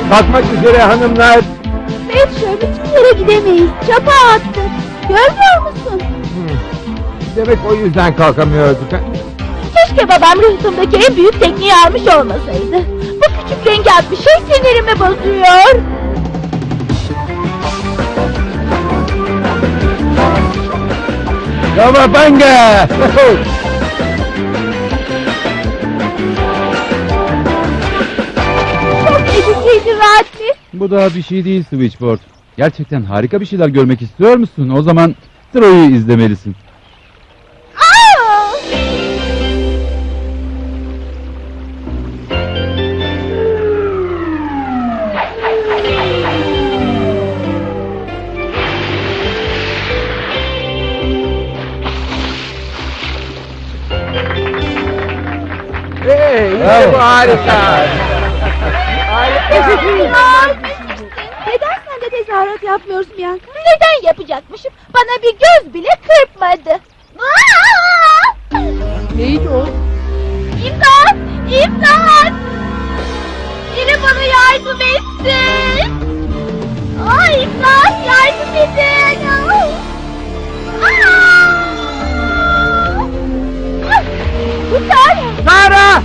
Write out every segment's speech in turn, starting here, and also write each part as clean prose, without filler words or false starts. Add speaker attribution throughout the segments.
Speaker 1: Kalkmak üzere hanımlar.
Speaker 2: Betşör, hiçbir yere gidemeyiz. Çapa attık. Görmüyor musun?
Speaker 1: Demek o yüzden kalkamıyorduk. Ha?
Speaker 2: Keşke babam rıhtımdaki en büyük tekneyi almış olmasaydı. Bu küçük rengaat bir şey sinirimi bozuyor.
Speaker 1: Kavabanga!
Speaker 2: Çok etkiliydi Radli.
Speaker 3: Bu daha bir şey değil Switchboard. Gerçekten harika bir şeyler görmek istiyor musun? O zaman Troy'u izlemelisin.
Speaker 2: Aa!
Speaker 1: Hey, işte bu harika.
Speaker 2: Neden sen de tezahürat yapmıyorsun Bianca? Neden yapacakmışım? Bana bir göz bile kırpmadı.
Speaker 4: Neydi o?
Speaker 2: İmdat! İmdat! Biri bana yardım etsin! Ay imdat! Yardım edin! Kurtar!
Speaker 1: Sara!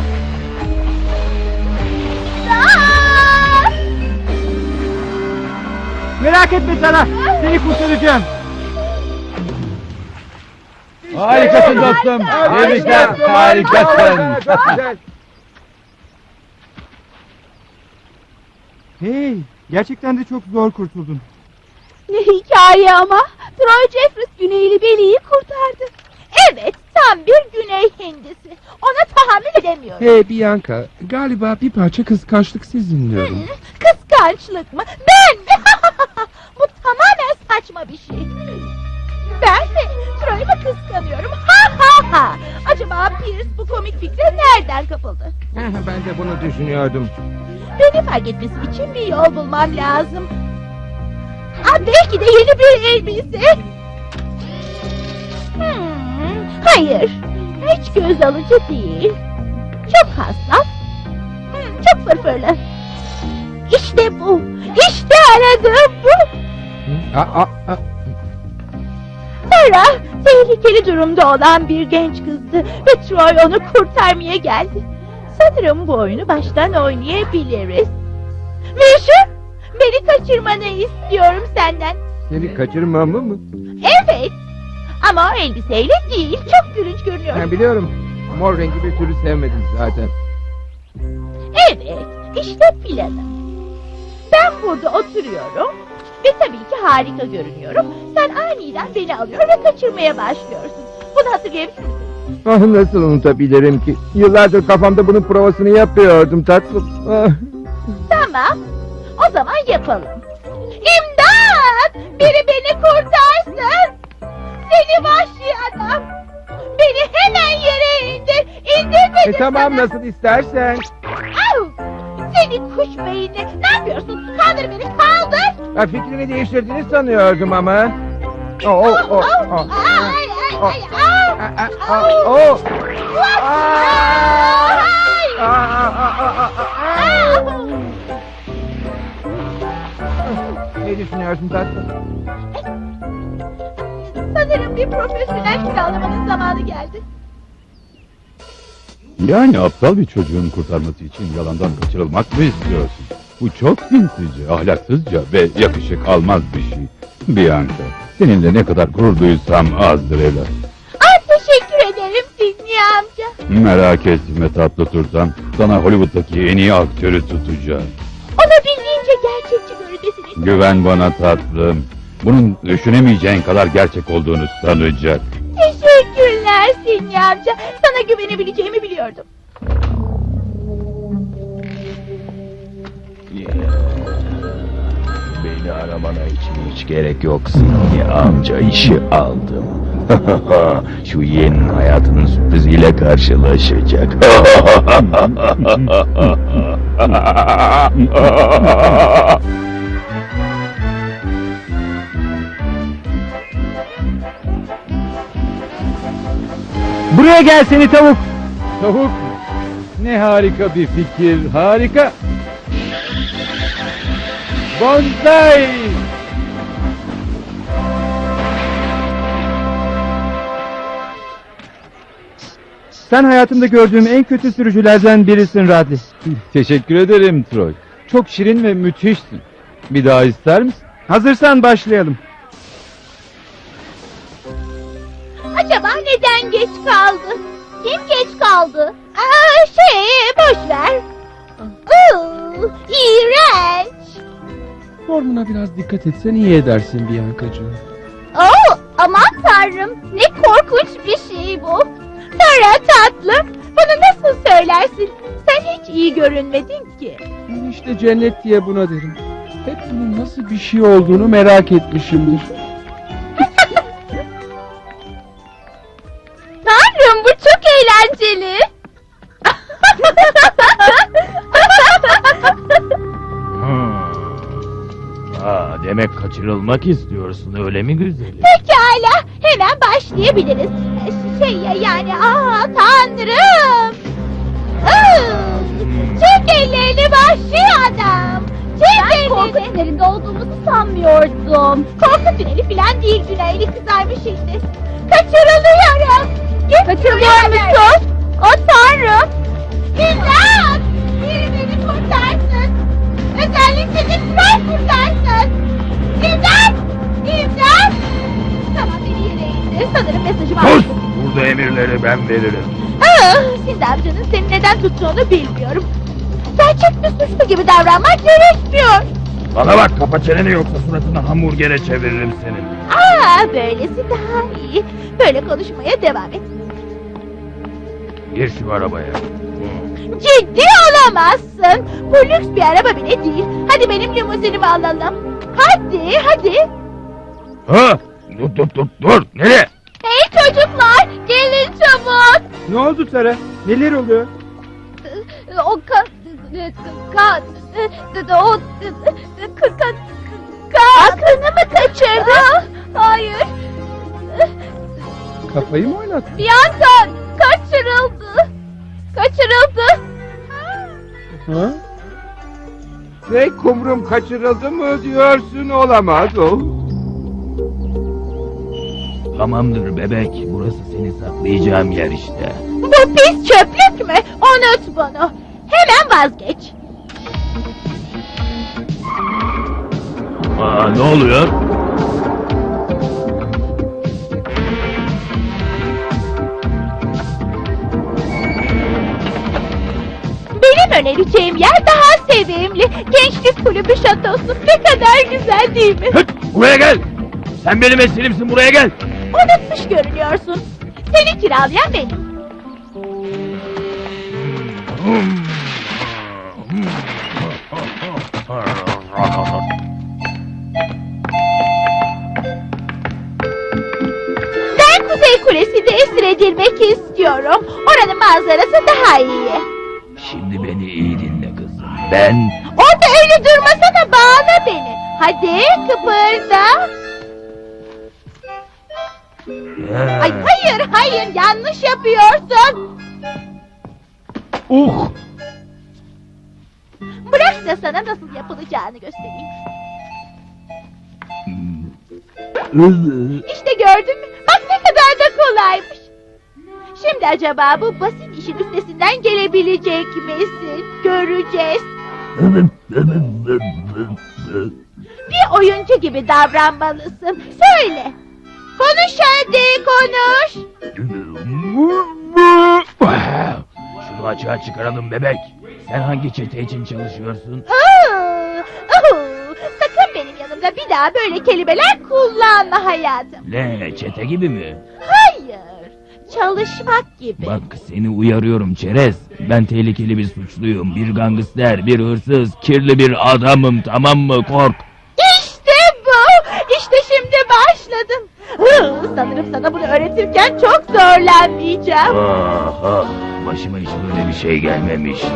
Speaker 2: İmdat!
Speaker 1: Merak etme Sara. Seni kurtaracağım.
Speaker 3: Harikasın dostum. Tebrikler. Harikasın.
Speaker 1: Çok güzel. Hey, gerçekten de çok zor kurtuldun.
Speaker 2: Ne hikaye ama! Troy Jeffries Güneyli Beli'yi kurtardı. Evet, tam bir Güney Hindisi. Ona tahammül edemiyorum.
Speaker 4: Hey Bianca, galiba bir parça kıskançlık sizinliyorum.
Speaker 2: Kıskançlık mı? Ben mi? Bu tamamen saçma bir şey. Ben mi? Troy'u mu kıskanıyorum? Ha ha ha! Acaba Pierce bu komik fikre nereden kapıldı?
Speaker 1: Ben de bunu düşünüyordum.
Speaker 2: Beni fark etmesi için bir yol bulmam lazım. Belki de yeni bir elbise. Hayır. Hiç göz alıcı değil. Çok hassas. Çok fırfırlı. İşte bu. İşte aradığım bu. Sarah tehlikeli durumda olan bir genç kızdı ve Troy onu kurtarmaya geldi. Sanırım bu oyunu baştan oynayabiliriz. Mişu, beni kaçırmanı istiyorum senden.
Speaker 1: Seni kaçırmamı mı?
Speaker 2: Evet. Ama o elbiseyle değil. Çok gülünç görünüyor.
Speaker 1: Ben biliyorum. Mor rengi bir türlü sevmedim zaten.
Speaker 2: Evet. İşte planım. Ben burada oturuyorum. Ve tabii ki harika görünüyorum. Sen aniden beni alıyor ve kaçırmaya başlıyorsun. Bunu hatırlayabilir misin?
Speaker 1: Ah, nasıl unutabilirim ki? Yıllardır kafamda bunun provasını yapıyordum tatlım. Ah.
Speaker 2: Tamam. O zaman yapalım. İmdat! Biri beni kurtarsın! Seni vahşi adam! Beni hemen yere indir! İndir beni
Speaker 1: Tamam
Speaker 2: sana!
Speaker 1: nasıl istersen.
Speaker 2: Au! Seni kuş beyinli! Ne yapıyorsun? Kaldır beni! Kaldır!
Speaker 1: Fikrini değiştirdiğini sanıyordum ama.
Speaker 2: Ay ay ay!
Speaker 1: Oh. Ne düşünüyorsun tatlım?
Speaker 2: Sanırım bir profesyonel kiralamanın zamanı geldi.
Speaker 3: Yani aptal bir çocuğun kurtarması için yalandan kaçırılmak mı istiyorsun? Bu çok sinsice, ahlaksızca ve yakışık almaz bir şey. Bianca, seninle ne kadar gurur duysam azdır evlat.
Speaker 2: Teşekkür ederim Sidney amca.
Speaker 3: Merak etme tatlı tursam, sana Hollywood'daki en iyi aktörü tutacağım.
Speaker 2: Olabildiğince gerçekçi görünmesini...
Speaker 3: Güven bana tatlım. Bunun düşünemeyeceğin kadar gerçek olduğunu sanacak.
Speaker 2: Teşekkürler Sidney amca. Sana güvenebileceğimi biliyordum.
Speaker 5: Beni aramana için hiç gerek yok Sidney amca, işi aldım. Şu yeni hayatının sürpriziyle karşılaşacak.
Speaker 1: Buraya gel seni tavuk.
Speaker 3: Tavuk, ne harika bir fikir, harika.
Speaker 1: Bonsai! Sen hayatımda gördüğüm en kötü sürücülerden birisin Radley.
Speaker 3: Teşekkür ederim Troy. Çok şirin ve müthişsin. Bir daha ister misin?
Speaker 1: Hazırsan başlayalım.
Speaker 2: Acaba neden geç kaldı? Kim geç kaldı? Boş ver. İğrenç.
Speaker 4: Formuna biraz dikkat etsen iyi edersin Bianca'cığım.
Speaker 2: Aman tanrım, ne korkunç bir şey bu. Tara tatlım, bunu nasıl söylersin? Sen hiç iyi görünmedin ki.
Speaker 4: Ben işte cennet diye buna derim. Hep bunun nasıl bir şey olduğunu merak etmişimdir.
Speaker 2: Tanrım, bu çok eğlenceli.
Speaker 5: Demek kaçırılmak istiyorsun öyle mi güzelim?
Speaker 2: Pekala, hemen başlayabiliriz. Tanrım. Çek ellerini vahşi adam. Çek ellerini. Korku tünelinde olduğumuzu sanmıyordum. Korku tüneli falan değil, Güneyli kızarmış şimdi. Kaçırılıyorum. Kaçırılıyor musun? Tanrım. İmdat! Biri beni kurtarsın. Özellikle de Troy kurtarsın. İmdat! İmdat! Tamam, beni yere indir. Sanırım mesajımı aldım.
Speaker 5: Burada emirleri ben veririm.
Speaker 2: Şimdi amcanın seni neden tuttuğunu bilmiyorum. Gerçek bir suçlu gibi davranmak gerekmiyor.
Speaker 5: Bana bak, kapa çeneni yoksa suratını hamburgere çeviririm senin.
Speaker 2: Böylesi daha iyi. Böyle konuşmaya devam et.
Speaker 5: Gir şu arabaya.
Speaker 2: Ciddi olamazsın. Bu lüks bir araba bile değil. Hadi benim limuzinimi alalım. Hadi.
Speaker 5: Ha? Dur. Nereye?
Speaker 2: Hey çocuklar, gelin çabuk.
Speaker 1: Ne oldu Tara? Neler oluyor?
Speaker 2: Aklını mı kaçırdın? Hayır.
Speaker 4: Kafayı mı oynattın?
Speaker 2: Bianca kaçırıldı.
Speaker 4: Ha?
Speaker 1: Ne kumrum kaçırıldı mı diyorsun, olamaz o.
Speaker 5: Tamamdır bebek, burası seni saklayacağım yer işte.
Speaker 2: Bu pis çöplük mü? Unut bunu. Hemen vazgeç.
Speaker 5: Ne oluyor?
Speaker 2: Benim önereceğim yer daha sevimli. Gençlik kulübü şatosu. Ne kadar güzel değil mi?
Speaker 5: Buraya gel! Sen benim esirimsin, buraya gel!
Speaker 2: Unutmuş görünüyorsun. Seni kiralayan benim. Ben Kuzey Kulesi'nde esir edilmek istiyorum. Oranın manzarası daha iyi.
Speaker 5: Şimdi beni iyi dinle kızım. Ben...
Speaker 2: Orada öyle durmasana, bağla beni. Hadi kıpırda. Ay hayır, yanlış yapıyorsun. Bırak da sana nasıl yapılacağını göstereyim. İşte gördün mü? Bak ne kadar da kolaymış. Şimdi acaba bu basit işin üstesinden gelebilecek misin? Göreceğiz. Bir oyuncu gibi davranmalısın. Söyle. Konuş hadi, konuş.
Speaker 5: Şunu açığa çıkaralım bebek. Sen hangi çete için çalışıyorsun?
Speaker 2: Sakın benim yanımda bir daha böyle kelimeler kullanma hayatım.
Speaker 5: Ne, çete gibi mi?
Speaker 2: Hayır, çalışmak gibi.
Speaker 5: Bak seni uyarıyorum çerez. Ben tehlikeli bir suçluyum. Bir gangster, bir hırsız, kirli bir adamım, tamam mı? Kork.
Speaker 2: İşte bu. İşte şimdi başladım. Sanırım sana bunu öğretirken çok zorlanmayacağım.
Speaker 5: Başıma hiç böyle bir şey gelmemişti.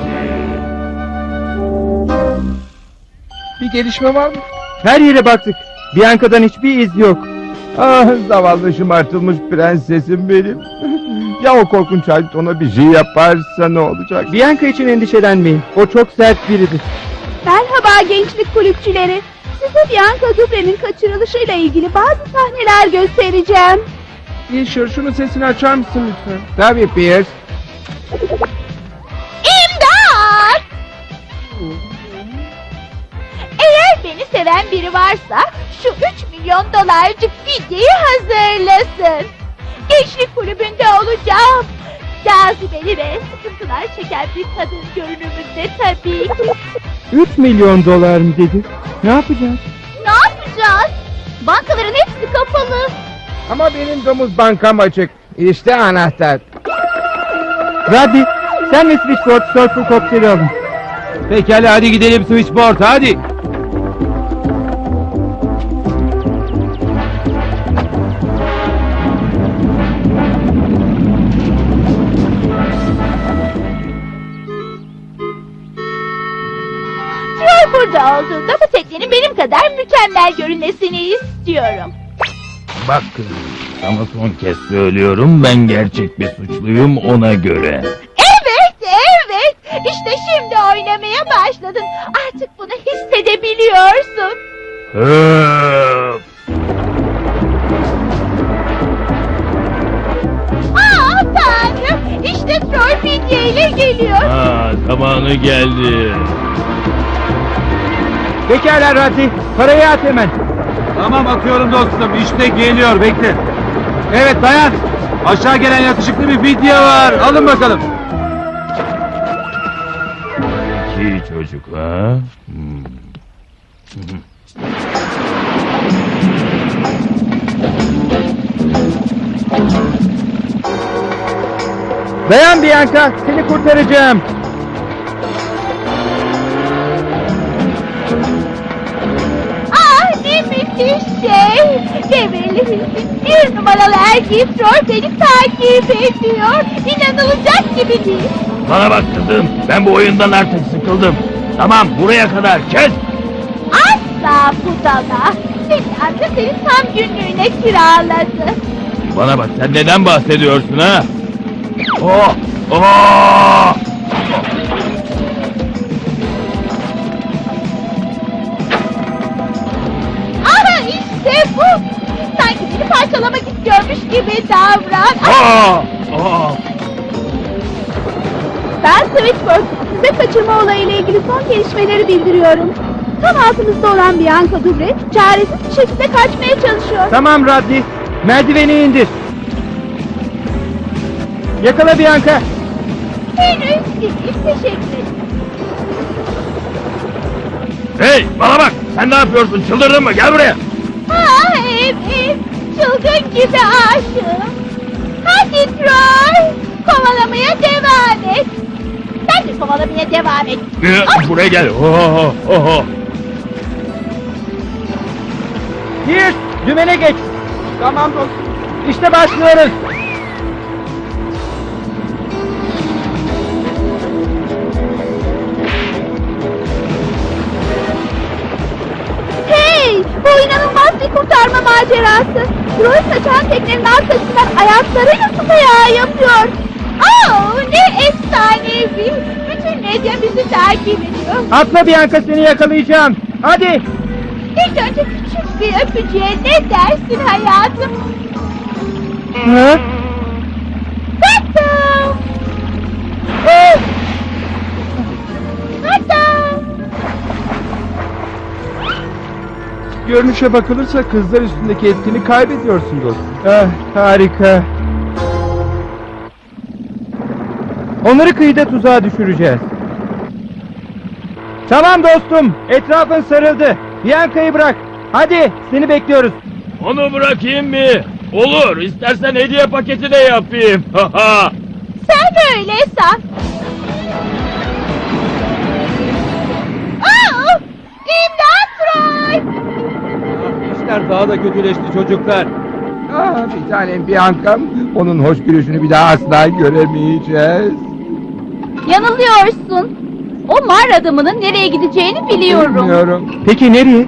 Speaker 4: Bir gelişme var mı?
Speaker 1: Her yere baktık. Bianca'dan hiçbir iz yok. Zavallı şımartılmış prensesim benim. Ya o korkunç halit ona bir şey yaparsa ne olacak? Bianca için endişelenmeyin. O çok sert biridir.
Speaker 2: Merhaba gençlik kulüpçüleri. Size Bianca Dubre'nin kaçırılışıyla ilgili bazı sahneler göstereceğim.
Speaker 4: Fisher, şunun sesini açar mısın lütfen?
Speaker 1: Tabii Pierce.
Speaker 2: İmdat! Eğer beni seven biri varsa şu 3 milyon dolarcık fidyeyi hazırlasın. Gençlik kulübünde olacağım. Cazibeli ve sıkıntılar çeken bir kadın görünümünde tabii ki.
Speaker 1: 3 milyon dolar mı dedi? Ne yapacağız?
Speaker 2: Ne yapacağız? Bankaların hepsi kapalı.
Speaker 1: Ama benim domuz bankam açık. İşte anahtar. Raddi, sen ve Switchboard Surfer kokteyli alın.
Speaker 3: Pekala hadi gidelim Switchboard hadi.
Speaker 2: Troy burada olduğunda bu teknenin benim kadar mükemmel görünmesini istiyorum.
Speaker 5: Bakın, sana son kez söylüyorum, ben gerçek bir suçluyum ona göre.
Speaker 2: Evet, evet. İşte şimdi oynamaya başladın. Artık bunu hissedebiliyorsun.
Speaker 5: Öf!
Speaker 2: Aa Tanrım, işte Troy fidye ile geliyor.
Speaker 5: Ha, zamanı geldi.
Speaker 1: Pekala Raddi, parayı at hemen.
Speaker 3: Tamam atıyorum dostum işte geliyor bekle. Evet dayan. Aşağı gelen yakışıklı bir video var. Alın bakalım.
Speaker 5: İki çocuk ha?
Speaker 1: Dayan Bianca, seni kurtaracağım.
Speaker 2: Ah ne müthiş şey. Beverly Hills'in 1 numaralı erkeği Troy beni takip ediyor. İnanılacak gibi değil.
Speaker 5: Bana bak kızım, ben bu oyundan artık sıkıldım. Tamam, buraya kadar kes.
Speaker 2: Asla budala. Senin amca seni tam günlüğüne kiraladı.
Speaker 5: Bana bak, sen neden bahsediyorsun ha? Oh! Oh!
Speaker 2: Aha işte bu. Sanki beni parçalamak istiyormuş gibi davran.
Speaker 5: Oh! Oh!
Speaker 2: Ben Switchboard. Size kaçırma olayıyla ilgili son gelişmeleri bildiriyorum. Tam altımızda olan Bianca Dubre çaresiz bir şekilde kaçmaya çalışıyor.
Speaker 1: Tamam Raddi, merdiveni indir. Yakala Bianca.
Speaker 2: Henüz değil. Teşekkür ederim.
Speaker 5: Hey, bana bak! Sen ne yapıyorsun? Çıldırdın mı? Gel buraya!
Speaker 2: Ah evet. Çılgın gibi aşığım. Hadi Troy. Kovalamaya devam et. Ben de kovalamaya devam et.
Speaker 5: Buraya gel. Oh, oh, oh.
Speaker 1: Pierce, dümene geç. Tamam dostum. İşte başlıyoruz.
Speaker 2: Hey! Bu inanılmaz bir kurtarma macerası. Troy kaçan teknenin arkasından ayaklarıyla su kayağı yapıyor. Oh, ne efsanevi. Bütün medya bizi takip ediyor.
Speaker 1: Atla Bianca, seni yakalayacağım. Hadi.
Speaker 2: İlk önce küçük bir öpücüğe ne dersin hayatım?
Speaker 1: Ha?
Speaker 2: Tatam! Tatam!
Speaker 4: Görünüşe bakılırsa kızlar üstündeki etkini kaybediyorsun dostum.
Speaker 1: Ah, harika. Onları kıyıda tuzağa düşüreceğiz. Tamam dostum, etrafın sarıldı. Bianca'yı bırak. Hadi, seni bekliyoruz.
Speaker 5: Onu bırakayım mı? Olur. İstersen hediye paketi de yapayım.
Speaker 2: Sen öyle san. Oh! İmdat Troy!
Speaker 3: İşler daha da kötüleşti çocuklar.
Speaker 1: Ah, bir tanem Bianca'm. Onun hoş gülüşünü bir daha asla göremeyeceğiz.
Speaker 2: Yanılıyorsun. O mağara adamının nereye gideceğini biliyorum.
Speaker 1: Bilmiyorum. Peki nereye?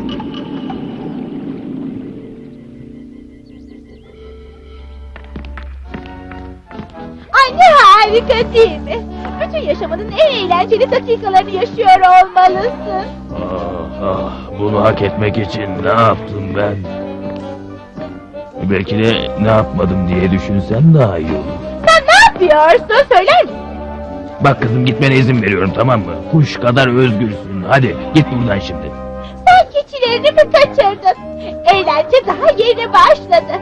Speaker 2: Ay ne Harika değil mi? Bütün yaşamının en eğlenceli dakikalarını yaşıyor olmalısın.
Speaker 5: Bunu hak etmek için ne yaptım ben? Belki de ne yapmadım diye düşünsen daha iyi olur.
Speaker 2: Sen ne yapıyorsun? Söyler misin?
Speaker 5: Bak kızım, gitmene izin veriyorum, tamam mı? Kuş kadar özgürsün. Hadi git buradan şimdi.
Speaker 2: Sen keçilerini mi kaçırdın? Eğlence daha yeni başladı.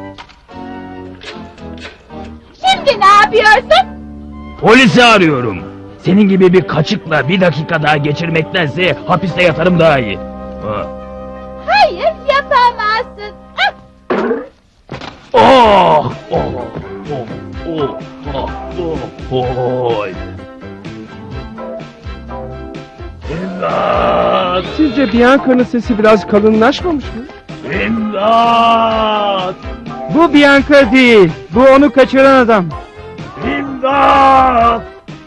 Speaker 2: Şimdi ne yapıyorsun?
Speaker 5: Polisi arıyorum. Senin gibi bir kaçıkla bir dakika daha geçirmektense hapiste yatarım daha iyi.
Speaker 2: Hayır, yapamazsın. Ah!
Speaker 5: Oh! Oh! Oh! Oh! Oh! Oh! Oy! İmdat!
Speaker 4: Sizce Bianca'nın sesi biraz kalınlaşmamış mı?
Speaker 5: İmdat!
Speaker 1: Bu Bianca değil. Bu onu kaçıran adam.
Speaker 5: İmdat!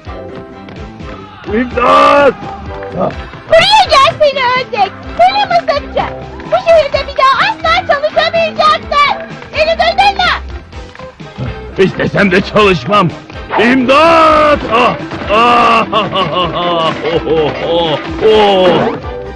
Speaker 5: İmdat!
Speaker 2: Buraya gel seni ördek. Seni mızıkçı. Bu şehirde bir daha asla çalışamayacaksın. Beni duydun mu?
Speaker 5: İstesem de çalışmam. İmdat! Ah! Ah! Ah! Ah! Oh! Oh! Oh! Oh!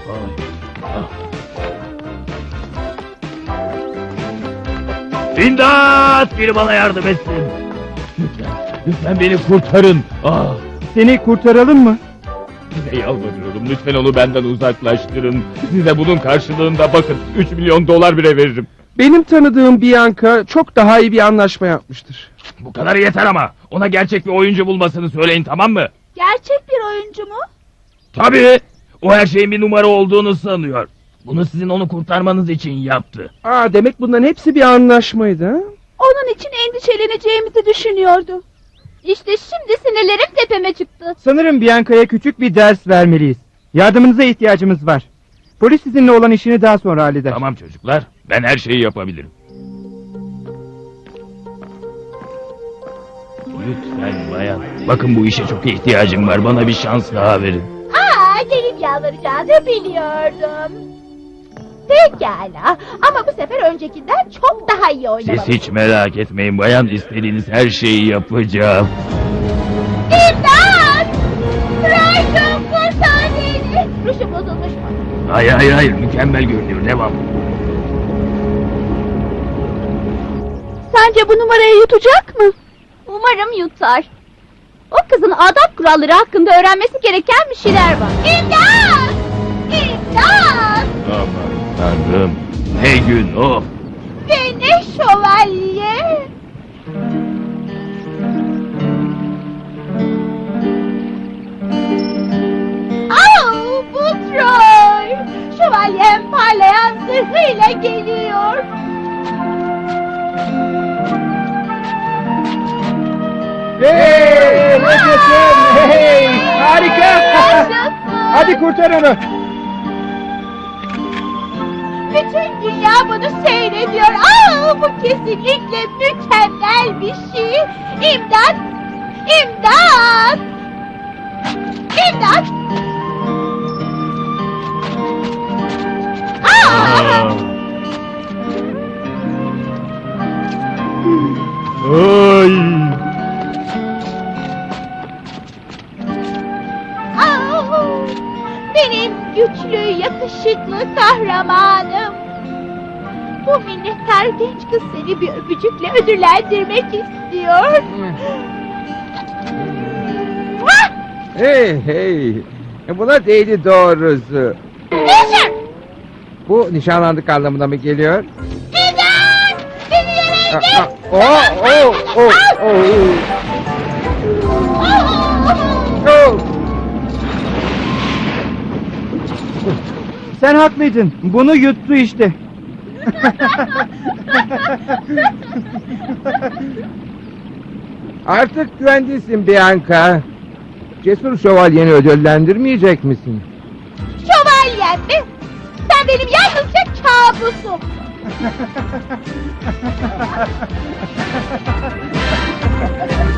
Speaker 5: İmdat! Biri bana yardım etsin. Lütfen beni kurtarın. Ah!
Speaker 1: Seni kurtaralım mı?
Speaker 3: Size yalvarıyorum, lütfen onu benden uzaklaştırın. Size bunun karşılığında bakın, 3 milyon dolar bile veririm.
Speaker 4: Benim tanıdığım Bianca çok daha iyi bir anlaşma yapmıştır.
Speaker 5: Bu kadar yeter ama. Ona gerçek bir oyuncu bulmasını söyleyin, tamam mı?
Speaker 2: Gerçek bir oyuncu mu?
Speaker 5: Tabii. O her şeyin bir numara olduğunu sanıyor. Bunu sizin onu kurtarmanız için yaptı.
Speaker 4: Demek bunların hepsi bir anlaşmaydı ha?
Speaker 2: Onun için endişeleneceğimizi düşünüyordu. İşte şimdi sinirlerim tepeme çıktı.
Speaker 1: Sanırım Bianca'ya küçük bir ders vermeliyiz. Yardımınıza ihtiyacımız var. Polis sizinle olan işini daha sonra halleder.
Speaker 5: Tamam çocuklar, ben her şeyi yapabilirim. Lütfen bayan. Bakın bu işe çok ihtiyacım var. Bana bir şans daha verin.
Speaker 2: Gelip yalvaracağını biliyordum. Pekala, ama bu sefer öncekinden çok daha iyi oynamalısın.
Speaker 5: Siz hiç merak etmeyin bayan. İstediğiniz her şeyi yapacağım.
Speaker 2: İmdat! Raydın kurtar beni! Ruşu bozulmuş mu?
Speaker 5: Hayır, mükemmel görünüyor. Devam.
Speaker 2: Sence bu numarayı yutacak mı? Umarım yutar. O kızın adab kuralları hakkında öğrenmesi gereken bir şeyler var. İmdat! İmdat!
Speaker 5: Aman tanrım. Ne gün of.
Speaker 2: Ve ne şövalye! Bu Troy! Şövalyem parlayan zırhıyla geliyor.
Speaker 1: Hey! Yaşasın! Hey! Harika!
Speaker 2: Yaşasın!
Speaker 1: Hadi kurtar onu!
Speaker 2: Bütün dünya bunu seyrediyor. Bu kesinlikle mükemmel bir şey. İmdat! İmdat! İmdat!
Speaker 5: Ay.
Speaker 2: Benim güçlü, yakışıklı kahramanım. Bu minnettar genç kız seni bir öpücükle ödüllendirmek istiyor.
Speaker 1: Hey! Buna değdi doğrusu.
Speaker 2: Yaşar!
Speaker 1: Bu nişanlandık anlamına mı geliyor?
Speaker 2: İmdat! Beni yere indir!
Speaker 1: Oh! Sen haklıydın. Bunu yuttu işte. Artık güvendesin Bianca. Cesur şövalyeni ödüllendirmeyecek misin?
Speaker 2: Şövalyem mi? Sen benim yalnızca kabusum.